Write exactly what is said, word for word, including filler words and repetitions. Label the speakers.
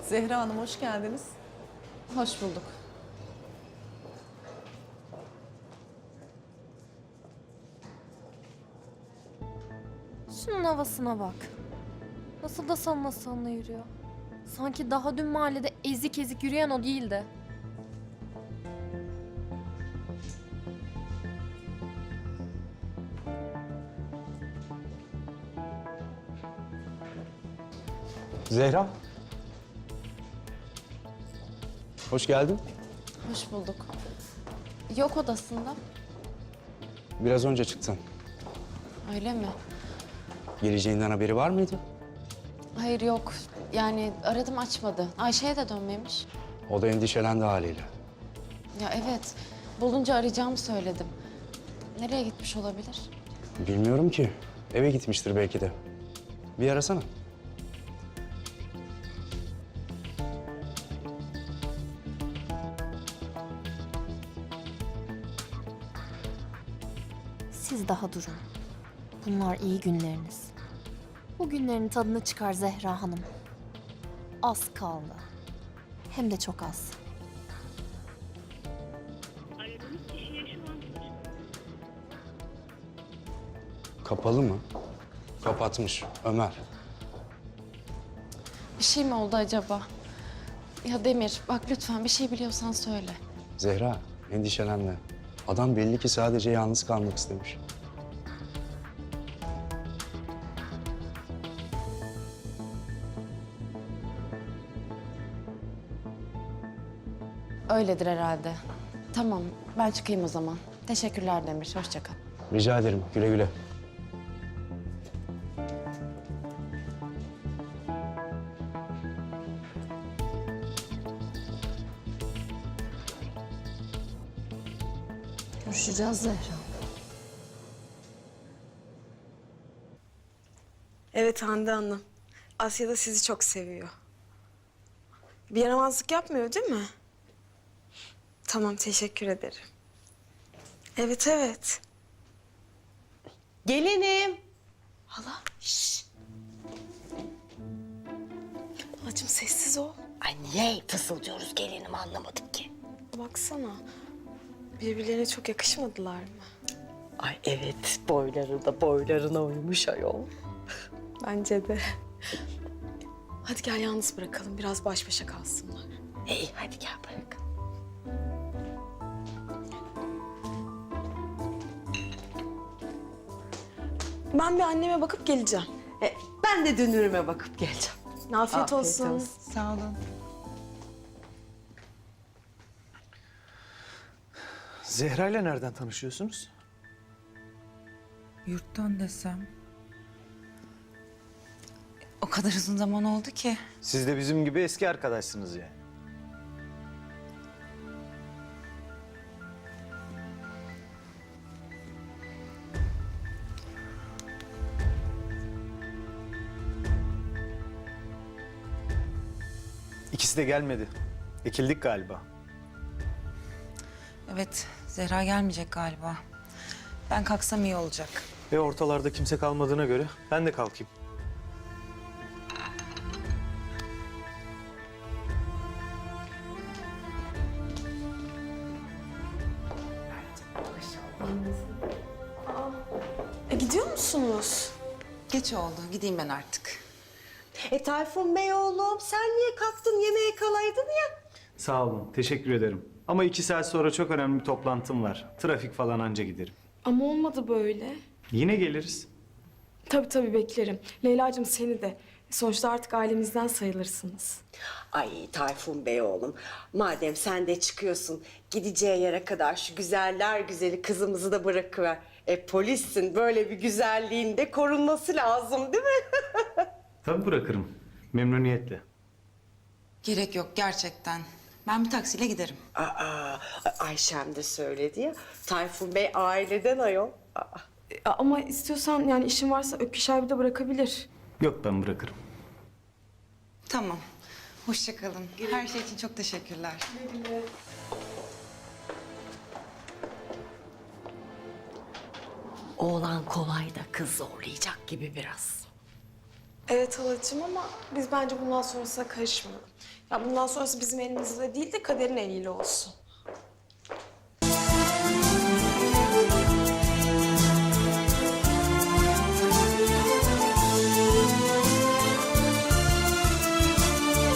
Speaker 1: Zehra Hanım hoş geldiniz.
Speaker 2: Hoş bulduk.
Speaker 3: Şunun havasına bak. Nasıl da salına salına yürüyor. Sanki daha dün mahallede ezik ezik yürüyen o değildi.
Speaker 4: Zehra. Hoş geldin.
Speaker 2: Hoş bulduk. Yok odasında.
Speaker 4: Biraz önce çıktın.
Speaker 2: Öyle mi?
Speaker 4: Geleceğinden haberi var mıydı?
Speaker 2: Hayır yok. Yani aradım açmadı. Ayşe'ye de dönmemiş.
Speaker 4: O da endişelendi haliyle.
Speaker 2: Ya evet. Bulunca arayacağımı söyledim. Nereye gitmiş olabilir?
Speaker 4: Bilmiyorum ki. Eve gitmiştir belki de. Bir arasana.
Speaker 3: Siz daha durun. Bunlar iyi günleriniz. Bu günlerin tadını çıkar Zehra Hanım. Az kaldı. Hem de çok az.
Speaker 5: Aradığınız kişiye şu an
Speaker 4: Kapalı mı? Kapatmış Ömer.
Speaker 2: Bir şey mi oldu acaba? Ya Demir bak lütfen bir şey biliyorsan söyle.
Speaker 4: Zehra, endişelenme. Adam belli ki sadece yalnız kalmak istemiş.
Speaker 2: Öyledir herhalde. Tamam ben çıkayım o zaman. Teşekkürler Demir. Hoşça kal.
Speaker 4: Rica ederim. Güle güle.
Speaker 3: Görüşeceğiz Zehra.
Speaker 6: Evet Hande Hanım. Asya da sizi çok seviyor. Bir yaramazlık yapmıyor değil mi? Tamam, teşekkür ederim. Evet, evet.
Speaker 7: Gelinim.
Speaker 6: Hala, şşş. Halacığım sessiz ol.
Speaker 7: Ay niye fısıldıyoruz gelinim anlamadım ki.
Speaker 6: Baksana. Birbirlerine çok yakışmadılar mı?
Speaker 7: Ay evet boyları da boylarına uymuş ayol.
Speaker 6: Bence de. Hadi gel yalnız bırakalım. Biraz baş başa kalsınlar.
Speaker 7: İyi hadi gel bırak.
Speaker 6: Ben bir anneme bakıp geleceğim.
Speaker 7: E, ben de dünürüme bakıp geleceğim.
Speaker 6: Afiyet, olsun.
Speaker 7: Sağ olun.
Speaker 8: Zehra ile nereden tanışıyorsunuz?
Speaker 9: Yurttan desem. O kadar uzun zaman oldu ki.
Speaker 8: Siz de bizim gibi eski arkadaşsınız yani. İkisi de gelmedi. Ekildik galiba.
Speaker 9: Evet, Zehra gelmeyecek galiba. Ben kalksam iyi olacak.
Speaker 8: Ve ortalarda kimse kalmadığına göre ben de kalkayım.
Speaker 6: E, gidiyor musunuz?
Speaker 9: Geç oldu, gideyim ben artık.
Speaker 7: E Tayfun Bey oğlum sen niye kalktın yemeğe kalaydın ya?
Speaker 8: Sağ olun, teşekkür ederim. Ama iki saat sonra çok önemli bir toplantım var. Trafik falan anca giderim.
Speaker 6: Ama olmadı böyle.
Speaker 8: Yine geliriz.
Speaker 6: Tabii tabii beklerim. Leyla'cığım seni de. Sonuçta artık ailemizden sayılırsınız.
Speaker 7: Ay Tayfun Bey oğlum madem sen de çıkıyorsun gideceği yere kadar şu güzeller güzeli kızımızı da bırakıver. E polissin böyle bir güzelliğin de korunması lazım değil mi?
Speaker 8: Tabii bırakırım. Memnuniyetle.
Speaker 9: Gerek yok gerçekten. Ben bir taksiyle giderim.
Speaker 7: Aa, Ayşem de söyledi ya. Tayfun Bey aileden ayol. Aa.
Speaker 6: E, ama istiyorsan yani işin varsa Ökkeş abi de bırakabilir.
Speaker 8: Yok ben bırakırım.
Speaker 9: Tamam. Hoşça kalın. Her şey için çok teşekkürler.
Speaker 7: Oğlan kolay da kız zorlayacak gibi biraz.
Speaker 6: Evet halacığım ama biz bence bundan sonrasına karışmayalım. Ya bundan sonrası bizim elimizde değil de kaderin eliyle olsun.